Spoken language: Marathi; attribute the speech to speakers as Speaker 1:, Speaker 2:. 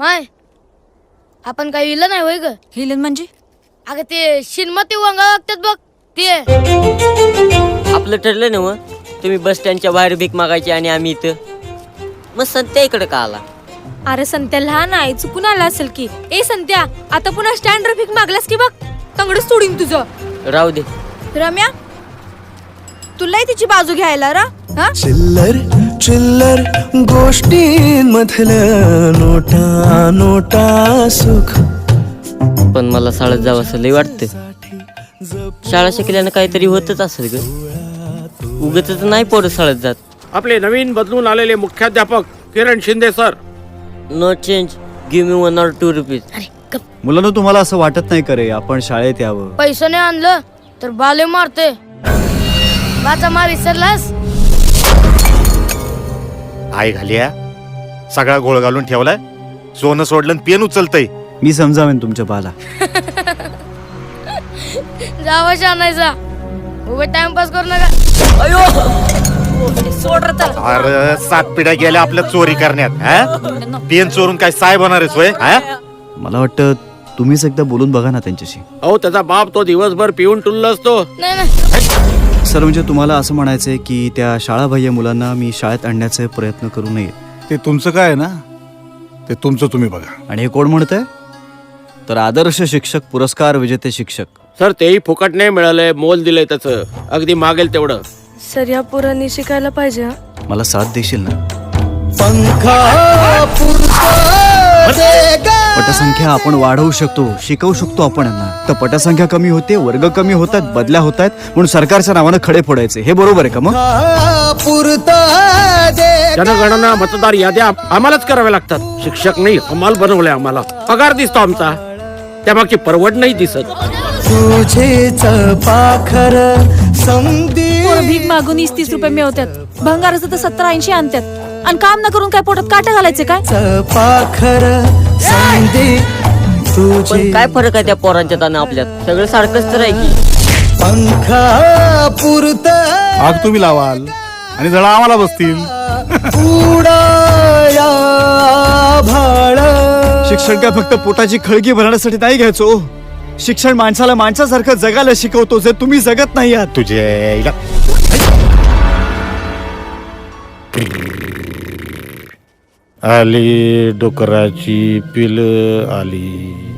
Speaker 1: माय आपण काही हिलं नाही होय ग.
Speaker 2: हिलन म्हणजे
Speaker 1: अगं ते शिनमती वंगा लागतात बघ ते.
Speaker 3: आपलं ठरलं ना मग तुम्ही बस स्टँडच्या बाहेर भीक मागायची आणि आम्ही इथं. मग संत्या इकडे का आला?
Speaker 4: अरे संत्या लहान आहे, चुकून आला असेल की. ए संत्या, आता पुन्हा स्टँडवर भीक मागलास की बघ तंगड सोडीन तुझं.
Speaker 3: राहू दे.
Speaker 2: रम्या, तुलाही तिची बाजू घ्यायला रा.
Speaker 5: चिल्लर चिल्लर गोष्टींमधलं नोटा नोटा सुख.
Speaker 3: पण मला शाळेत जावं असं लय वाटतं. शाळा शिकल्यानं काहीतरी होतच असेल ग. उगतच नाही पोरं शाळेत जात.
Speaker 6: आपले नवीन बदलून आलेले मुख्याध्यापक Kiran Shinde sir.
Speaker 3: No change, give me 1 or 2 rupees.
Speaker 1: अरे गप.
Speaker 7: मुलांना तुम्हाला असं वाटत नाही करे आपण शाळेत यावं?
Speaker 1: पैसे नाही आणलं तर बाले मारते. वाचा मार विसरलास.
Speaker 8: आई घालिया सगळा गोळ घालून ठेवलाय. सोनं सोडलं पेन उचलतय.
Speaker 7: मी समजावेन तुमच्या बाला.
Speaker 1: जावा आणायचा उभे टाइमपास करू नका.
Speaker 2: सोड रे त्याला.
Speaker 8: अरे 7 पिढ्या गेल्या आपल्या चोरी करण्यात. पेन चोरून काय साहेब होणार आहेस होय?
Speaker 7: मला वाटतं तुम्हीच एकदा बोलून बघा ना त्यांच्याशी.
Speaker 6: अहो त्याचा बाप तो दिवसभर पिऊन टुल्ल असतो.
Speaker 1: नाही नाही
Speaker 7: सर म्हणजे तुम्हाला असं म्हणायचंय की त्या शाळाबाह्य मुलांना मी शाळेत आणण्याचे प्रयत्न करू नये.
Speaker 9: ते तुमचं काय आहे ना, ते तुमचं तुम्ही बघा.
Speaker 7: आणि हे कोण म्हणतंय? तर आदर्श शिक्षक पुरस्कार विजेते शिक्षक.
Speaker 6: सर तेही फुकट नाही मिळालंय, मोल दिलंय त्याचं. अगदी मागेल तेवढं.
Speaker 4: सर या पोरांनी शिकायला पाहिजे.
Speaker 7: मला साथ देशील ना? पटसंख्या आपण वाढवू शकतो, शिकवू शकतो आपण यांना. तर पटसंख्या कमी होते, वर्ग कमी होतात, बदल्या होत आहेत म्हणून सरकारच्या नावानं खडे फोडायचे. हे बरोबर आहे का? मग
Speaker 6: जनगणना मतदार याद्या आम्हालाच कराव्या लागतात. शिक्षक नाही हमाल बनवले आम्हाला. पगार दिसतो आमचा, त्यामागची परवड नाही दिसत.
Speaker 5: तुझेच पाखर समधी
Speaker 2: भीक मागून 30 रुपये मिळवतात. भंगाराचं तर 70-80 आणतात. आणि काम न करून काय पोटात काटा घालायचे काय?
Speaker 5: पाखर समधी तुझे
Speaker 3: पण काय फरक आहे त्या पोरांच्यात आणि आपल्यात? सगळं सारखंच तर आहे की.
Speaker 5: पंखा पुरत
Speaker 9: आग तुम्ही लावाल आणि जरा आम्हाला बसतील.
Speaker 5: उडाया भाळ.
Speaker 7: शिक्षण काय फक्त पोटाची खळगी भरण्यासाठी नाही घ्यायचो. शिक्षण माणसाला माणसासारखं जगायला शिकवतो, जे तुम्ही जगत नाही आहात.
Speaker 8: तुझे आली डोकराची पिल आली.